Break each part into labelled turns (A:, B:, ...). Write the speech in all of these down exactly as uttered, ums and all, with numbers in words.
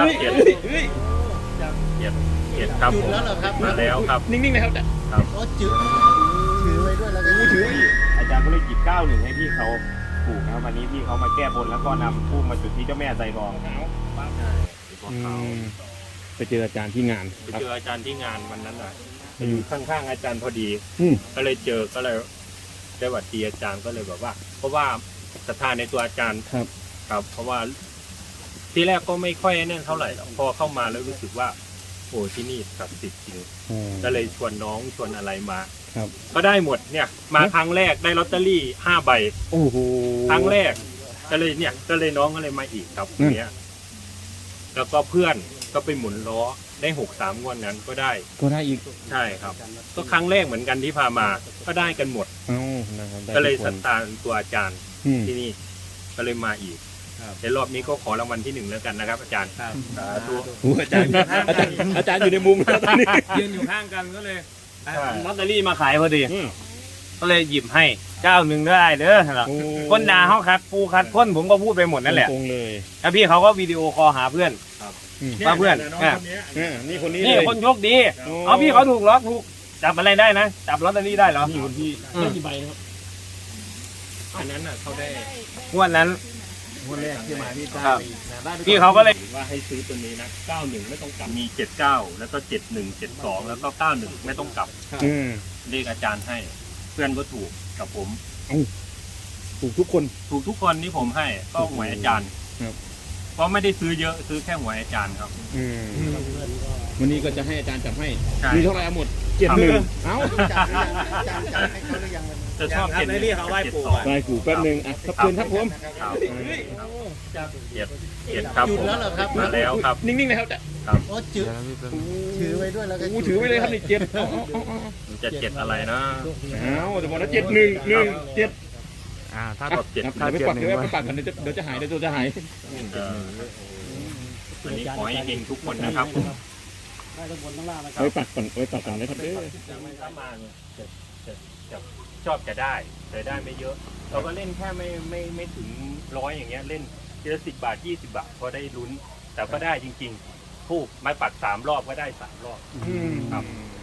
A: ครับเจ็ดเจ็ดเจ็ดครับผมมาแล้วครับนิ่งๆนะครับครับ
B: ถือถือไว้ด้วยแล้วก็ถืออาจารย์ก็เลยหยิบเก้าหนึ่งให้พี่เขาปลูกนะครับวันนี้พี่เขามาแก้บนแล้วก็นำทูบมาจุดที่เจ้าแม่ไซรอง
C: ไปเจออาจารย์ที่งาน
A: ไปเจออาจารย์ที่งานวันนั้นอ่ะอยู่ข้างๆอาจารย์พอดี
C: อืม
A: ก็เลยเจอก็เลยได้หวัดดีอาจารย์ก็เลยแบบว่า เพราะว่าศรัทธาในตัวอาจารย์
C: ครับ
A: ครับ เพราะว่าที่แรกก็ไม่ค่อยแน่นเท่าไหร่หรอกพอเข้ามาแล้วรู้สึกว่าโอ้ที่นี่ศักดิ์สิทธิ์จริงก็เลยชวนน้องชวนอะไรมา
C: ครับ
A: ก็ได้หมดเนี่ย มาครั้งแรกได้ลอตเตอรี่ห้าใบ
C: โอ้โห
A: ครั้งแรกก็เลยเนี่ย ก็เลยน้องก็เลยมาอีกครับ
C: อืม
A: เนี้ยแล้วก็เพื่อนก็ไปหมุนล้อได้หกสามงวดนั้นก็ได้
C: ก็ได้อีก
A: ใช่ครับ ก็ครั้งแรกเหมือนกันที่พามาก็ได้กันหมด
C: เอ้านะครับได้
A: ก็เลย
C: ทุ
A: ศรั
C: น
A: ทธาในตัวอาจารย์
C: อืม
A: ที่นี่ก็เลยมาอีกในรอบนี้ก็ขอรางวัลที่หนึ่งแล้วกันนะครับ อาจารย์สาธุ
C: โอ้อาจารย์อาจารย์อาจารย์อยู่ในมุมแล้วตอนนี้
D: ยืนอยู่ข้างกันก็เลย
A: ใช่
D: ลอตเตอรี่มาขายพอดี
C: อืม
D: ก็เลยหยิบให้เจ้าหนึ่งได้เด้อครับ
C: โอ้
D: คนด่าเขาคัดปูคัดคนผมก็พูดไปหมดนั่นแหละ
C: ตรงๆเลย
D: แล้วพี่เขาก็วิดีโอคอลหาเพื่อน
C: อืม
D: มาเพื่อน
A: น้อง
D: อ่ะ
A: คนเนี้ย
C: อ่านี่คนนี้
D: นี่
C: เลย
D: คนโชคดี
C: โอ้
D: เอาพี่เขาถูกล็อกถูกจับอะไรได้นะจับลอตเตอรี่ได้เหรอ
C: นี่คนที่
D: อืม
C: ได้กี่ใบนะครับ
A: อันนั้นน่ะเขาได้
D: งวดนั้น
B: คนแรกที่มาพี่ตา
D: ครับ พี่เขาก็เลย
A: ว่าให้ซื้อตัวนี้นะเก้าหนึ่งไม่ต้องกลับมีเจ็ดเก้าแล้วก็เจ็ดหนึ่งเจ็ดสองแล้วก็เก้าหนึ่งไม่ต้องกลับ
C: อืม
A: เรียกอาจารย์ให้ เพื่อนก็ถูกกับผม
C: ถูกทุกคน
A: ถูกทุกคนที่ผมให้ก็หวยอาจารย์
C: ครับ
A: เพราะไม่ได้ซื้อเยอะซื้อแค่หวยอาจารย์ครับ
C: อืมวันนี้ก็จะให้อาจารย์จับให้
A: ใช่
C: มีเท่าไหร่เอาหมดเจ็ดหนึ่งเอ้า
B: จับอาจารย์จับให้เขาหรือยัง
A: จะชอบ
D: ครับ
A: เจ็ดห
D: ให้
A: นึ่ง
D: พี่เขาไหว้ปู่
A: จ็ดสอง
C: ได้กูแป๊บหนึงอ่ะครับเชิญครับผม
A: ครับเจ็ดเจ็ดครับผมมาแล้วครับ
C: นิ่งๆนะครับ
B: โอ้ถือถือไว้ด้วยแล้วก็
C: โอ้ถือไว้เลยครับนี่เจ็ดเอาเอาเอาเอา
A: มันจะเจ็ดอะไรนะ
C: เอาจะบอกนะเจ็ดหนึ่งหนึ่งเจ็ด
D: อ่าถ้า
A: ชอบเจ็ด
C: เดี๋ยวไปปักเดี๋ยวไปปักกันเดี๋ยวจะเดี๋ยวจะหายเดี๋ยวตัวจะหาย
A: เอออันนี้ขอให้เองทุกคนนะครับผม
C: ไว้ปักก่อนไว้ปักก่อนนะครับเด้อ
A: ถ้ามาเนี่ยจะจะจะชอบจะได้แต่ได้ไม่เยอะ เราก็เล่นแค่ไม่ไม่ไม่ถึงร้อยอย่างเงี้ยเล่นทีละสิบบาทยี่สิบบาทพอได้ลุ้น แต่ก็ได้จริงๆทูบไม้ปักสามรอบก็ได้สามรอบ
C: อืม
A: ครับ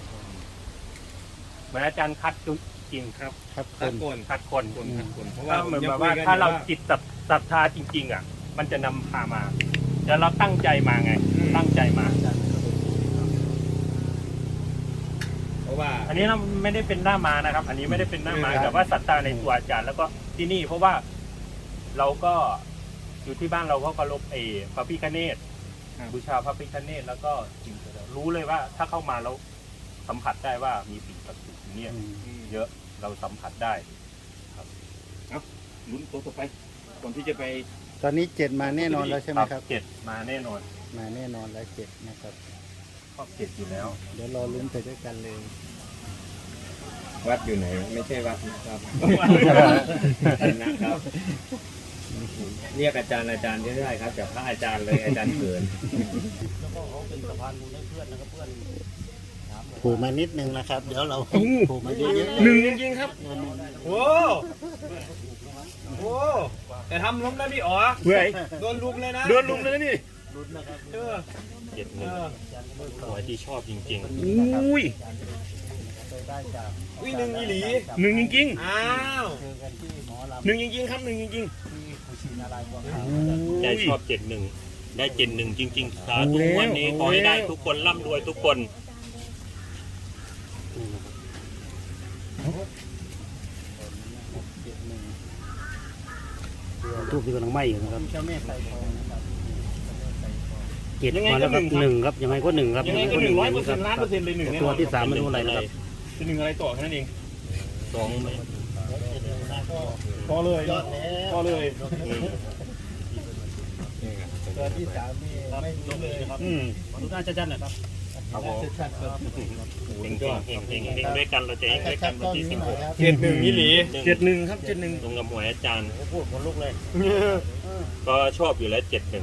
A: เหมือนอาจารย์คัดจุดจริงครับ
C: ครับค
D: ตะ
C: น
D: โกน
A: คัดคน
D: เพราะ
A: ถ้า
D: ว่า
A: เหมือนแบบว่าถ้าเราจิตศรัทธาจริง ๆ อ่ะ มันจะนำพามาแต่เราตั้งใจมาไง ตั้งใจมา
D: เพราะว่า
A: อันนี้เราไม่ได้เป็นหน้ามานะครับ อันนี้ไม่ได้เป็นหน้ามาแต่ว่าศรัทธาในตัวอาจารย์แล้วก็ที่นี่เพราะว่าเราก็อยู่ที่บ้านเราก็เคารพเอพระพิฆเนศบูชาพระพิฆเนศแล้วก็สิ่งศักดิ์สิทธิ์รู้เลยว่าถ้าเข้ามาแล้วสัมผัสได้ว่ามีสิ่งศักดิ์สิทธิ์อยู่เนี่ยเยอะเราสัมผัสได้
C: ลุ้นตัวต่อไปก่อนที่จะไป
B: ตอนนี้เจ็ดมาแน่นอนแล้วใช่ไหมครับ
A: เจ็ดมาแน่นอน
B: มาแน่นอนแล้วเจ็ดนะครับ
A: ชอบเจ็ดอยู่แล้ว
B: เดี๋ยวรอลุ้นไปด้วยกันเลย
D: วัดอยู่ไหนไม่ใช่วัดนะครับนะครับเรียกอาจารย์อาจารย์ไม่ได้ครับจากพระอาจารย์เลยอาจารย์เกิน
B: ผูกมานิดนึงนะครับ เดี๋ยวเราผูกมาเยอะๆ
C: หนึ่งจริงๆครับ
D: โอ้โหแต่ทำล้มนะพี่อ๋อ
C: เฮ้ย
D: โดนลุมเลยนะ
C: เดินลุมเลยนะนี่
D: เออ
A: เจ็ดหนึ่งหัวที่ชอบจริง
C: อุ้ย
D: วิ่งหนึ่งอีหลี
C: หนึ่งจริง
D: อ้าว
C: ๆหนึ่งจริงๆครับหนึ่งจริง
A: ๆใจชอบเจ็ดหนึ่งได้เจ็ดหนึ่งจริง ๆ สาธุ
C: เอาแล้ว
A: วันนี้ขอให้ได้ทุกคนร่ำรวยทุกคน
E: ทูบที่กำลังไหม้อยู่นะครับ
B: เจ้าแม่ไซทองนะครับ
E: เจ็ด
A: ยังไง
E: มา
A: ก็
E: แล้วครับ
A: หนึ่งครับ
E: หนึ่งครับยังไงก็หนึ่งครับ
A: ยังไงก็หนึ่งร้อยเปอร์เซ็นต์ล้านเปอร์เซ็นต์เลยหนึ่งแน่นอน
E: ตัวที่สามไม่รู้อะไรนะครับ
C: จะหนึ่งอะไรต่อแค่นั้นเอง
A: สองไหม
C: พอเลย
B: ยอดแล้ว
C: พอเลย
B: ตัวที่สามนี่ไม่รู้เลยครับ
C: อืม
E: ขอทุกท่านจัดๆหน่อยครับ
A: ครับผม
B: ชัดๆครับ
A: เฮงเฮงเฮงเฮงด้วยกันเราจะเฮงด้วยกันวันที่สิบหก
D: เจ็ดหนึ่งอีหลี
C: เจ็ดหนึ่งครับเจ็ดหนึ่ง
A: ตรงกับหวยอาจารย์
E: พูดคนลุกเลย
A: ก็ชอบอยู่แล้วเจ็ดหนึ่ง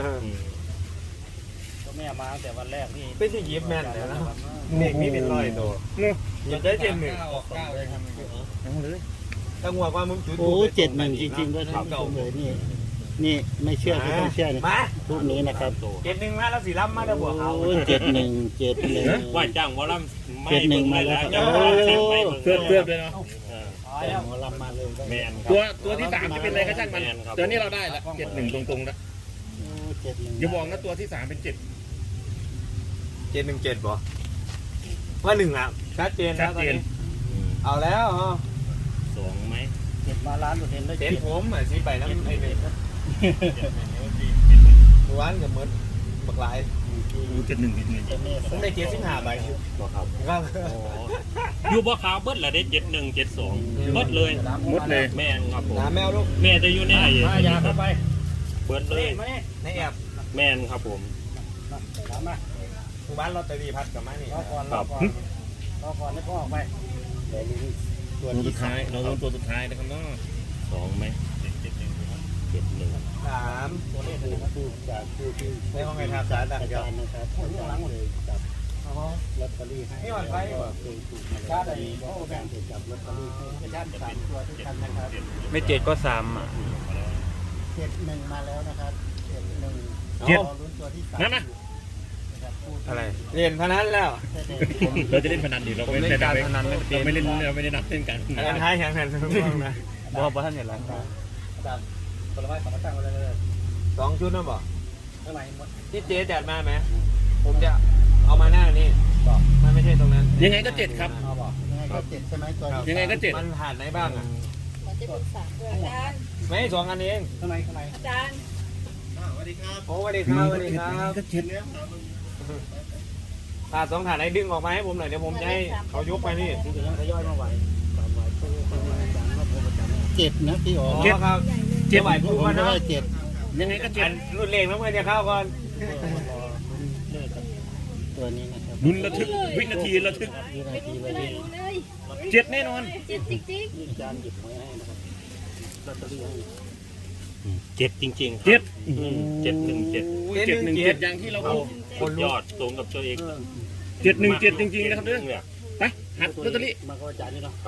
E: ก็แม่มาตั้งแต่วันแรกนี่
D: ไม่ใช่ยิบแม่นเลยนะเด็กนี่เป็นร้อยตัว
C: เนาะ
D: อยากได้เจ็ดหนึ่ง
C: เอาเลย
D: จังหวะว่ามึงจุด
B: โอ้เจ็ดหนึ่งจริงๆด้วยท่านผู้ชมเลยนี่
E: นี่ไม่เชื่อก็ต้องเชื่อนะ
B: มา
E: รูปนี้นะครับ
B: เจ็ดหนึ่งมาแล้วสีล้ำมาแล้วบวกเขา
E: โอ้เจ็ดหนึ่งเจ็ดหนึ่ง
A: ว่าจ้างวอลลัมไม่
E: เจ็ดหนึ่ง
A: เบิ่งเลย
E: มา
A: นะ
E: แล้ว
A: จ้างวอลลัมสิบไป
C: เสื้อเสื้อเลยเนาะ
E: หมอลำมาเลย
A: แมนครั
C: ตั
A: บ
C: วตัวที่สามจะเป็นอะไรก็ช่างมัน
A: แมนครับ
C: ตัวนี้เราได้ละเจ็ดหนึ่งตรงๆนะ
E: เจ็ดหนึ่ง
C: อย่าบอกนะตัวที่สามเป็นเจ็ด
B: เจ็ดหนึ่งเจ็ดบ่ว่าหนึ่งอ่ะชัดเจน
C: ชั
B: นะ
C: ด
B: ตอน
C: เจน
B: นี้เอาแล้วอ๋อ
A: สองไหม
E: เจ็ดมาล้านเปอร์เซ็นต์ได้
B: เจ็
E: เจ็
B: ด
E: ด
B: ผมอ่ะสิไปน้ำไอ้หนึ่งร้านกับมดบักหลาย
C: เจ็ดหนึ่งเจ็ดหนึ่ง
B: ผมได้เจ็ดสิบห้าใบครับครับ
A: อยู่บ่ขาวเบิดละได้เจ็ดหนึ่งเจ็ดสองเบิดเลย
C: หมดเลย
A: แมนครับผม
B: น้ำแมวลูก
A: แม่จะอยู่ในไอ้
E: มายาเข้าไป
A: เบิดเลย
B: ในแอบ
A: แมนครับผม
E: ถามมา
B: ทุกบ้านลอตเตอรี่พัดกับมานี่
E: รอก่อนรอก่อนรอก่อนให้พ่อออกไปเดี๋ยวนี้ตัว
C: ตัว
E: ที่
C: สุดท้ายเราลุ้นตัวสุดท้ายนะครับเนาะ
A: สองไหมเจ็ดหนึ่งเจ็ดหนึ่ง
B: สาม
E: ตัวเลขนะครับผู้จากผู้ที่
B: ในห้องไงทำสารต่าง
E: อา
B: เดีย
E: จาว รย์นะครับผู้ล้างเลยจับลอตเตอรี่ให้
B: นี่หวานไฟ
E: เคยถูกมาแล้วมีก็แบ่งจับลอตเตอรี่ให้ญาติสามตัวทุกท่านนะครับ
B: ไม่เจ็ดก็สามอ่ะ
E: เจ็ดหนึ่งมาแล้วนะครับเจ็ดหนึ่ง
C: เจ็ด
E: รอลุ้นตัวที่สาม
C: นั่นนะ
E: นะครับผู้ที่
B: อะไรเรียนพนันแล้ว
C: เราจะเล่นพนันดิเราไม่เล่นการพนันเราไม่เล่นเราไม่ได้นับเล่นกัน
B: อันนั้นท้ายแข่งขันทุกคนนะบอกว่าท่านเห็นแล้ว
E: อาจารย์ผลไม้สองมาตั้งไว้เลย
B: สองชุดนะบอก
E: เท่าไหร่หมด
B: ที่เจ๊จัดมาไหมผมจะเอามาหน้านี่บอกมันไม่ใช่ตรงนั้น
C: ยังไงก็เจ็ดครับ
E: เอาบอกยังไงก็เจ็ดใช่ไหมตัวนี้
C: ยังไงก็เจ็ด
B: มันผ่านไหนบ้างอ่ะ
F: มันจะเป็นสามด้วยอาจารย์
B: ไม่สองอันเอง
E: ข้างในข้างใน
F: อาจารย์
B: โอ้สวัสดีครับสวัสดีครับ
C: ก็เจ็ด
B: ถาดสองถาดไหนดึงออกมาให้ผมหน่อยเดี๋ยวผมจะให้เขายกไปนี่
E: ที่จะยังทยอยมาไหวตามไหวตู้ตู้อาจารย์ก็โทรประจำเจ็ดนะพี่อ๋อ
B: เจ็ดครับ
C: เจ็ด
B: ไหวพูด
E: ผม
B: ว่า
E: ก็
B: นะ
E: ได้เจ็ด
C: ยังไงก็เจ็
B: อั
C: ด
B: นรุ่นเลขน้ำเงินจะเข้าก่อน
E: เลิกกับตัวนี้นะครับ
C: ลุ้นระทึกวินาทีระทึก
E: วินา
F: ไม่
E: ที
F: รู้
E: เลย
F: เลยรู้เลย
C: เจ็ดแน่นอน
F: เจ็ดจริง
E: อาจารย์หยิบไว้ให้นะครับลอตเตอรี่ให้
A: เจ็ดจริงๆครับ
C: เจ็ด
A: อืมเจ็ดหนึ่งเจ็ด
C: เจ็ดหนึ่งเจ็ดอย่างที่เราบอก
A: สุดยอดตรงกับตัวเอง
C: เจ็ดหนึ่งเจ็ดจริงๆนะครับเด้อ
A: เนี่ย
C: ไปหัดลอตเตอรี่
E: มาก็อาจารย์นี่เนาะ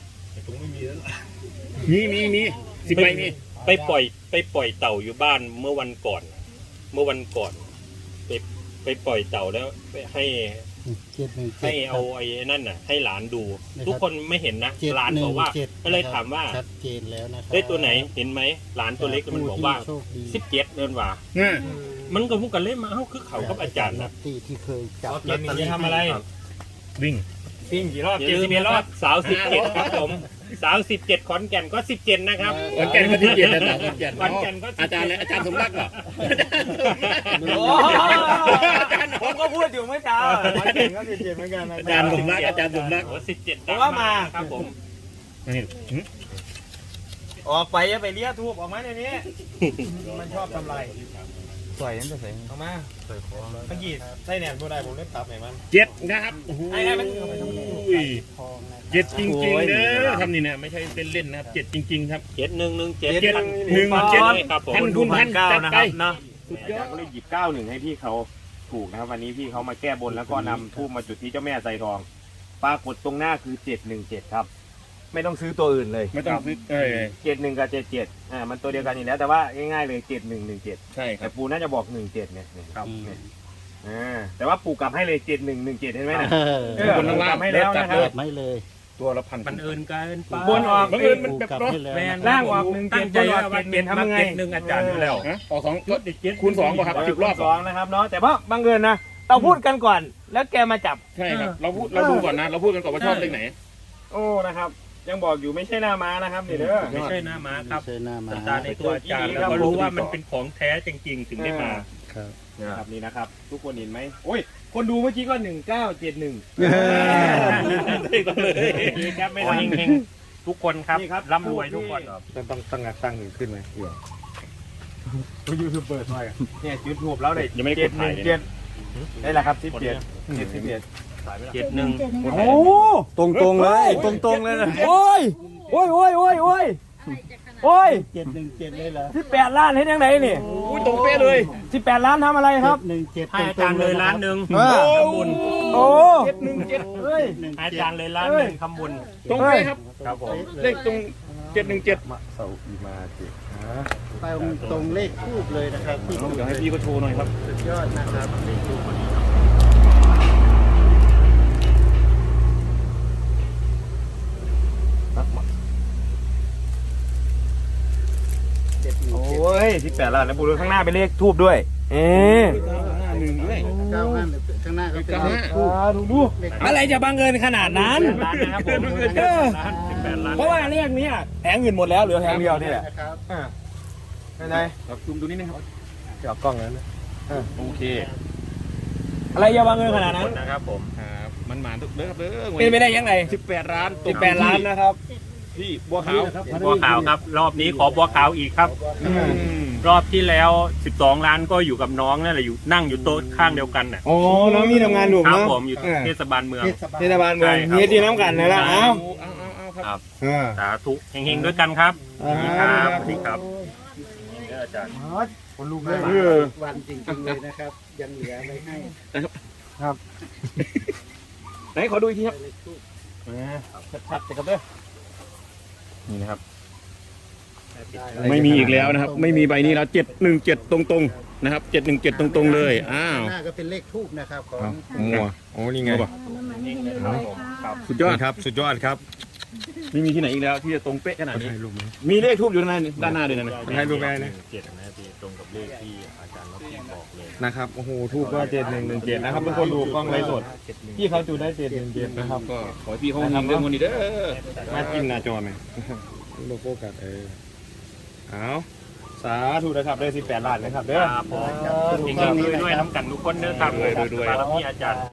C: มีมีมีสิบใบมี
A: ไปปล่อยไปปล่อยเต่าอยู่บ้านเมื่อวันก่อน เมื่อวันก่อนไปไปปล่อยเต่าแล้วไปให้
E: เจ็ดหนึ่งเจ็
A: ให้
E: ด
A: เอาไอ้นั่นน่ะ ให้หลานดู
E: นะครับ
A: ทุกคนไม่เห็นนะ
E: เจ็ด
A: หลาน
E: หนึ่
A: บ
E: ง
A: อกว่า
E: เจ็ด
A: ก็เลยถามว่า
E: ชัดเจนแล้วนะครับ
A: ได้ตัวไหนเห็นไหมหลานตัวเล็กมันบอกว่า
E: ผู้ที่โชคดี
A: สิบเจ็ดเดินว่า
C: อ่า
A: มันก็พูดกันเล่นมาเอ้าคือเขากับอาจารย์นะ
E: ที่ที่เคยจับ
B: เอาเจ็ดหนึ่งจะทำอะไร
C: วิ่ง
B: ซิ่งกี่รอบ
A: อย่า
B: เจ็ด
A: ลื
B: สิ
A: ม
B: บเอ็ด
A: นะ
B: ร
A: ค
B: อ
A: รั
B: บบ
A: สาวสิบเจ็ดครับผมสาวสิบเจ็ดขอนแก่นก็สิบเจ็ดนะครับ
C: ขอนแก่นก็ที่เจ็ดนะขอนแก่น
A: ขอนแก่นก็สิบเจ็ด
C: อาจารย์เลยอาจารย์สมรักเหรอ
B: โอ้ผมก็พูดอยู่เมื่อเช้าวันเจ็ดก็สิบเจ็ดเหมือนกันนะ
C: อาจารย์สมรักอาจารย์สมรัก
A: โอ้สิบเจ็ด
B: ผมว่ามา
A: ครับผม
C: นี่หึ
B: ออกไปอย่าไปเลี้ยทูบออกมาในนี้ มันชอบทำลายใส่นั่นจะใส่ออกมาใส่ของเมื่อกี้ใส่แหนมตัวใดผมเล่นตับไหนมัน
C: เจ็ดนะครับโอ้โห
B: ไอ้ไอ้มัน
E: ทองนะ
C: เจ็ดจริงๆเด้อทำนี่เนี่ยไม่ใช่เล่นๆนะครับเจ็ดจริงๆครับ
A: เจ็ดหนึ่งหนึ่งเจ็ด
C: เจ็ดหนึ่งเจ็ด
A: ครับผม
C: พันคุณพันจัดไป
B: เนาะ
C: สุดย
B: อา
C: อ
B: จาร
C: ด
B: ย์ก็เลยหยิบเก้าหนึ่งให้พี่เขาถูกนะครับวันนี้พี่เขามาแก้บนแล้วก็นำทูบมาจุดที่เจ้าแม่ไซทองปรากฏตรงหน้าคือเจ็ดหนึ่งเจ็ดครับไม่ต้องซื้อตัวอื่นเลย
C: ไม่ต้องซื้อเอ้ย
B: เจ็ดหนึ่งกับเจ็ดเจ็ดอ่ามันตัวเดียวกันอยู่แล้วแต่ว่าง่ายๆเลยเจ็ดหนึ่งหนึ่งเจ็ด
C: ใช่ค
B: แต่
C: รับ
B: ปูน่าจะบอกหนึ่งเจ็ดเนี่ยครับอ่าแต่ว่าปูกลับให้เลยเจ็ดหนึ่งหนึ่งเจ็ดเห็นไหมนะ
E: เออ
B: เออ
C: คนข้างล่าง
B: ให้แล้วนะครับ
E: เปิดไม่เลย
C: ตัวละพัน
A: มันเอินเกินไป
B: บนออก
C: บังเอิญมันแบบ
E: กลับ
C: เนาะ
E: ให้แล้ว
A: แมน
B: ล่างออกหนึ่งเจ็
A: ตั้
B: ด
A: งใจว่า
B: บนออก
A: เจ็ดเจ็ด
B: ทำยังไง
A: เจ็ดหนึ่งอาจารย์อยู่แล้ว
C: ฮะออกสอง
A: ชุดเจ็ด
C: คูณสองป่ะครับ สิบรอบ
B: สองนะครับเนาะแต่ว่าบังเอิญนะเราพูดกันก่อน แล้วแกมาจับ
C: ใช่ครับเราพูดเราดูก่อนนะ เราพูดกันก่อนว่าชอบเลขไหน
B: โอ้นะครับ ยังบอกอยู่ไม่ใช่หน้าม้านะครับนี่เด้อ
A: ไม่ใช่หน้าม้าครับ
E: ไม่ใช่หน้ามา
A: ตาในตัวอาจารย์แล้วก็รู้ว่ามันเป็นของแท้จริงๆ ถึงได้มา
E: ครับ
B: นะครับนี่นะครับ ทุกคนเห็นไหมโอ้ยคนดูเมื่อกี้ก็หนึ่งเก้าเจ็ดหนึ่ง
A: ได้ก็เลยครับไม่ต้องเฮงๆทุกคนครับร่ำรวยทุกคน
B: ต้องตั้งตั้งหนึ่งขึ้นไหมเดี๋ยวตัวยูทูบเบอร์หน่อยเนี่ยจุดทูบแล้วเลย
C: ยังไม่ได้กดถ่ายเลย
B: เจ็ดได้แหละครับสิบเจ็ดเจ็ดสิบเอ็ด
A: เจ็ดหนึ่ง
B: โอ้ตรงตรงๆเลยตรงตรงๆเลยนะโอ้ยโอ้ยโอ้ยโอ้ยโอ้ย
F: อะไรจะขนาด
B: โอ้ย
E: เจ็ดหนึ่งเจ็ดเลยเหรอ
B: สิบแปดล้านให้ยังไงนี่
C: อุ้ยตรงเป๊ะเลย
B: สิบแปดล้านทำอะไรครับ
E: หนึ่งเจ็ด
A: ให้อาจารย์เลยล้านหนึ่ง
B: เออ
A: ทำบุญ
B: โอ้
C: เจ็ดหนึ่งเจ็ด
B: เฮ้ย
A: ให้อาจารย์เลยล้านหนึ่งทำบุญ
C: ตรงเป๊ะครับ
A: ครับผม
C: เลขตรงเจ็ดหนึ่งเจ็ด
B: เสาอีมาเจ็ด
E: ตรงตรงเลขทูบเลยนะครับที่
C: เดี๋ยวให้พี่ก็โชว์หน่อยครับ
E: สุดยอดนะครับเลขทูบเจ็ดหนึ่ง
B: โอ
E: เจ็ด้
B: ยที่แปดล้านนะปูดูข้างหน้าเป็นเลขทูบด้วย เอ๊ะ
C: หนึ่งด้วย
E: เก้าห้าข้างหน้าก็เป็นเลขทูบ
B: ดูดูอะไรจะบังเอิญขนาดนั้น
A: ร้านนะครับผม
B: เออ
A: ร้านสิบแปดล้าน
B: เพราะว่าเลขนี้แผงอื่นหมดแล้วเหลือแผงเดียวนี่แหละ
E: นะครับ
B: อ่าเป็นไง
C: ครับซูมดูนิดนึงครับ
B: เดี๋ยวกล้องนั้นนะ
C: โอเค
B: อะไรจะบังเอิญขนาดนั้น
A: นะครับผม
C: ครับมันหมานทุกเด้อครับเด้อ
B: เป็นไปได้ยังไง
C: สิบแปดล้าน
B: สิบแปดล้านนะครับ
C: ที่บัวขาว
A: บัวขาวครับ รอบนี้ขอบัวขาวอีกครับ
C: อืม
A: รอบที่แล้วสิบสองล้านก็อยู่กับน้องนั่นแหละอยู่นั่งอยู่โต๊ะข้างเดียวกันน่ะ
B: โอ้น้องนี่ทำงานอยู่
A: ครับ
B: เนาะ
A: ผมอยู่เทศบาลเมือง
E: เทศบาล
B: เทศบาลเมือง
A: ใช่ครับ
B: เฮียดีน้ำกันเลยละเอ้า
C: เอาเอาเอาครับ
A: ครับ
B: อ่า
A: สาธุเฮงๆด้วยกันครับ
B: อ่า
A: สวัสดีครับสวัสดีครับเด้ออาจารย์
B: คนลูก
E: เมื่
B: เล
E: อย วาน
B: เออ
E: วันจริงๆเลยนะครับ ยังเหลือไว้ให้
C: ไหนขอดูอีกทีครับ
E: เลขทูบ
B: ชัดๆจะกับเด้อ
C: นี่นะครับ
E: ได้
C: ไม่มีอีกแล้วนะครับ ไม่มีใบนี้แล้วเจ็ดหนึ่งเจ็ดตรงๆนะครับเจ็ดหนึ่งเจ็ดตรงๆเลยอ้าว
E: ข้างหน้าก็เป็นเลขทูบนะครับของ
C: มัวโอ้นี่ไง
A: ครับ
C: สุดยอดครับ สุดยอดครับไม่มีที่ไหนอีกแล้วที่จะตรงเป๊ะขนาดนี้
B: ให้รูปไหม
C: มีเลขทูบอยู่ด้านหน้าด้านหน้าด้วยนะ
B: ให้รูปไหมนะ
A: เจ็ดนะพี่ตรงกับเลขที่อาจารย์เราพี่บอกเลย
B: นะครับโอ้โหทูบก็เจ็ดหนึ่งหนึ่งเจ็ดนะครับเป็นคนดูกล้องไลฟ์สดพี่เขาจูได้เจ็ดหนึ่งเจ็ดนะครับ
C: ก็ขอให้พี่เขาทำเรื่องวันนี้เด้อ
B: มาจิ้มหน้าจอไหมโลโก้กัดเออเอาสาธุนะครับได้สิบแปดล้านนะครับเด้อ
A: ครับผมเฮงๆด้วยๆน้ำกันทุกคนเด้อครับ
C: ด้วยๆ
A: บารมีอาจารย์